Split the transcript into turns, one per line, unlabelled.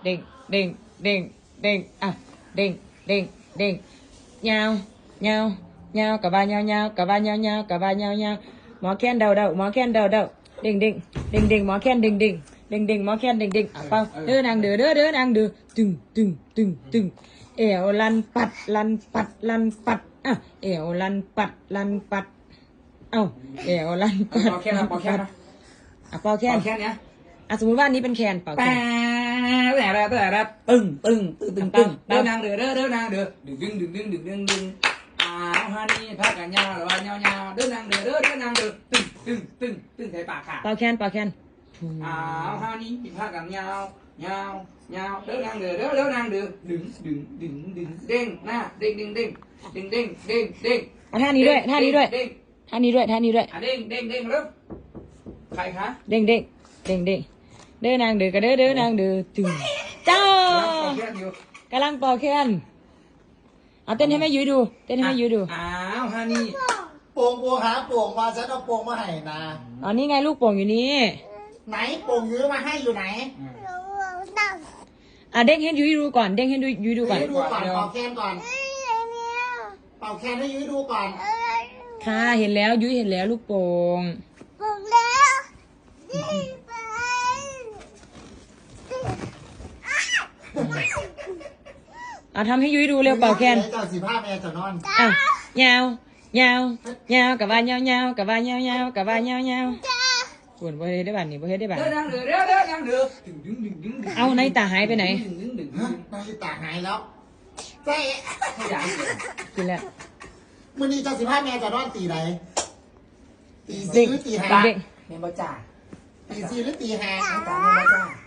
định định định định à định định định nhau nhau nhau cả ba nhau nhau cả ba nhau nhau cả ba nhau nhau mó khen đầu đậu mó khen đầu đậu định định định định mó khen định định định định mó khen định định à bao đứa nàng đứa nàng đứa từng ẻo lănปัดà ẻo lănปัดอ้าẻo lănปัด
ปอแคนนะปอแคนนะ
อ่ะเป่าแคน
ปอแคนเนี้ย
อ่ะสมมติว่าอันนี้เป็นแคนเป่าแค
แปะ
น
แต่ตึงเดินนางเดือเดินนางเดือดึงฮันนี่พักกันยาวหรือว่ายาวเดินนางเดือเดินนางเดือตึงใส่ปากค่ะ
เป่าแคนฮั
ฮันนี่พักกันยาวเดินนางเดือเดินนางเดือดึงเด้งหน้าเด้ง
เอาท่านี้ด้วยท่านี้ด้วย
เด้ง
ท่านี้ด้วยท่านี้ด้วย
เด้งเริ่มใครคะ
เด้งเดินนางเดือกระเดินนางเดือตึงเจ้ากำลังเป่าแคนเอาเต้นให้แม่ยุ้ยดูเต้นให้แม่ยุ้ยดู
ฮันนี่
โป่งหาโป่งมาฉันเอาโป่งมาให้นะ
อ๋อนี่ไงลูกโป่งอยู่นี่
ไหนโป่งยื้อมาให้อยู่ไหน
อ่ะเด้งให้ยุ้ยดูก่อนเด้งให้ยุ้ยดูก่อน
ให้ดูก่อนเป่าแคนก่อนเป่าแคนให้ยื้อดูก่อน
ค่ะเห็นแล้วยุ้ยเห็นแล้วลูกโป่งเอาทำให้ยุ้ยดูเร็วเป่าแคน
เจ้าสิผ้าแม่จะนอน
อ่ะยาวกับว่ายาวกับว่ายาวปวดบ่เฮ็ดได้บัดนี่บ่เฮ็ดได้บัด
เดินนางเดือดึง
เอาในตาหายไปไหน
ฮะนาฬิตาหายแล้วเจ๊
ขยัน
กินแล้ว
มื้อนี้เจ้าสิผ้าแม่จะนอนตีไหนตี
เด็
สี่
ก
หรือตีห้า
เด็ก
เมมเบอร์จ่า
ตีสี่หรือตีห้า
จ่าเมมเบอร์จ่า